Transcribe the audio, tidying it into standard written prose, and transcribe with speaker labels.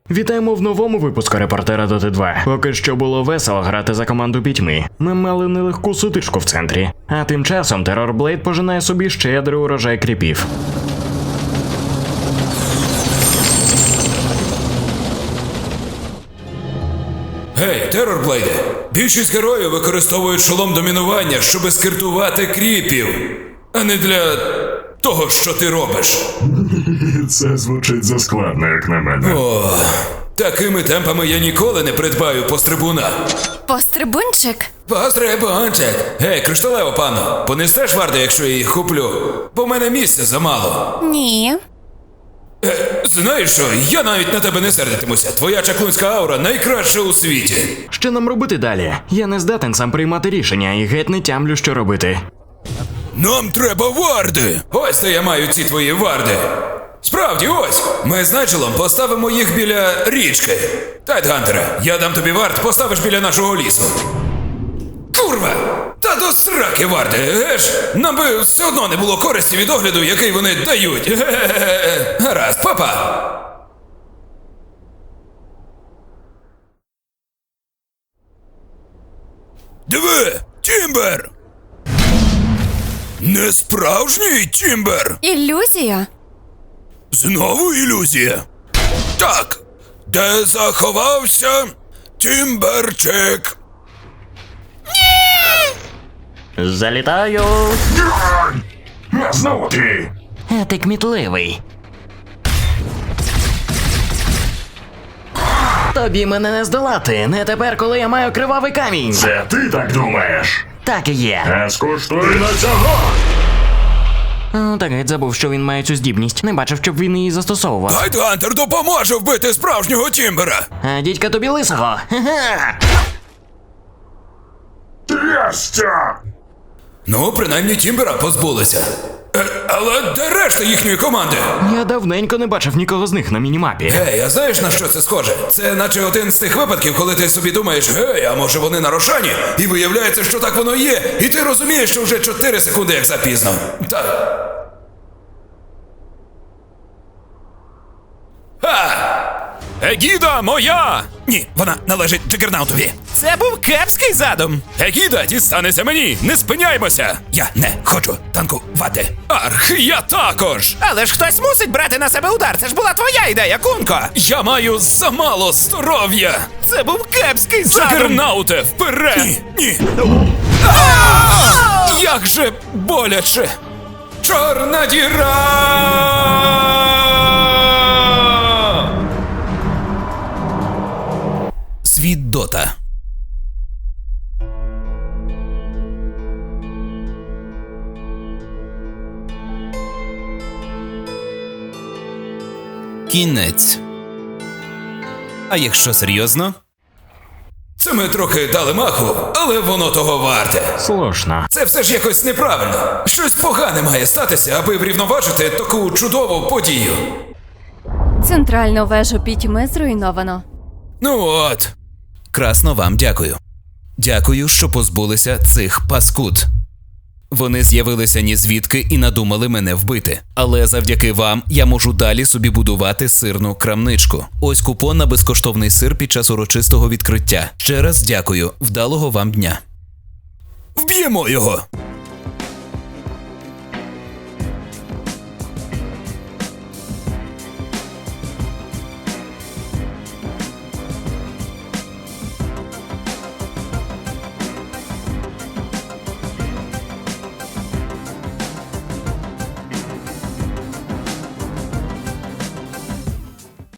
Speaker 1: Вітаємо в новому випуску репортера Доти 2. Поки що було весело грати за команду пітьми. Ми мали нелегку сутичку в центрі. А тим часом Террорблейд пожинає собі щедрий урожай кріпів.
Speaker 2: Гей, Террорблейде! Більшість героїв використовують шолом домінування, щоби скиртувати кріпів, а не для того, що ти робиш.
Speaker 3: Це звучить заскладно, як на мене.
Speaker 2: О, такими темпами я ніколи не придбаю пострибуна.
Speaker 4: Пострибунчик?
Speaker 2: Пострибунчик! Гей, кришталево панно, понестеш варди, якщо я їх куплю? Бо в мене місця замало.
Speaker 4: Ні.
Speaker 2: Знаєш що, я навіть на тебе не сердитимуся. Твоя чаклунська аура найкраща у світі.
Speaker 1: Що нам робити далі? Я не здатен сам приймати рішення і геть не тямлю, що робити.
Speaker 2: Нам треба варди! Ось де я маю ці твої варди. Справді, ось! Ми з Найджелом поставимо їх біля річки. Тайтгантере, я дам тобі вард, поставиш біля нашого лісу. Курва! Та до сраки варди, геш? Нам би все одно не було користі від огляду, який вони дають. Ге-ге-ге. Гаразд, папа! Диви! Тімбер! Не справжній Тімбер!
Speaker 4: Ілюзія?
Speaker 2: Знову ілюзія? Так! Де заховався Тімберчик?
Speaker 1: Залітаю!
Speaker 3: Знову ти!
Speaker 1: Ти кмітливий. Тобі мене не здолати, не тепер, коли я маю кривавий камінь.
Speaker 3: Це ти так думаєш?
Speaker 1: Так і є.
Speaker 3: А скуштуй на цього!
Speaker 1: Так геть забув, що він має цю здібність. Не бачив, щоб він її застосовував.
Speaker 2: Тайтгантер допоможе вбити справжнього Тімбера!
Speaker 1: А дідька тобі лисого. Ха-ха!
Speaker 3: Трястя!
Speaker 2: Ну, принаймні Тімбера позбулися. Але де решта їхньої команди?
Speaker 1: Я давненько не бачив нікого з них на мінімапі.
Speaker 2: Гей, а знаєш, на що це схоже? Це наче один з тих випадків, коли ти собі думаєш, гей, а може вони на Рошані? І виявляється, що так воно є, і ти розумієш, що вже 4 секунди як запізно. Так. Егіда моя! Ні, вона належить Джигернаутові. Це був кепський задум. Егіда дістанеться мені, не спиняймося. Я не хочу танкувати. Арх, я також. Але ж хтось мусить брати на себе удар, це ж була твоя ідея, Кунко. Я маю замало здоров'я. Це був кепський задум. Джигернауте, вперед! Ні. Як же боляче. Чорна діра! Світ Дота. Кінець. А якщо серйозно? Це ми трохи дали маху, але воно того варте.
Speaker 1: Слушно.
Speaker 2: Це все ж якось неправильно. Щось погане має статися, аби врівноважити таку чудову подію.
Speaker 4: Центральну вежу пітьми зруйновано.
Speaker 2: Ну от. Красно вам дякую. Дякую, що позбулися цих паскуд. Вони з'явилися ні звідки і надумали мене вбити. Але завдяки вам я можу далі собі будувати сирну крамничку. Ось купон на безкоштовний сир під час урочистого відкриття. Ще раз дякую. Вдалого вам дня. Вб'ємо його!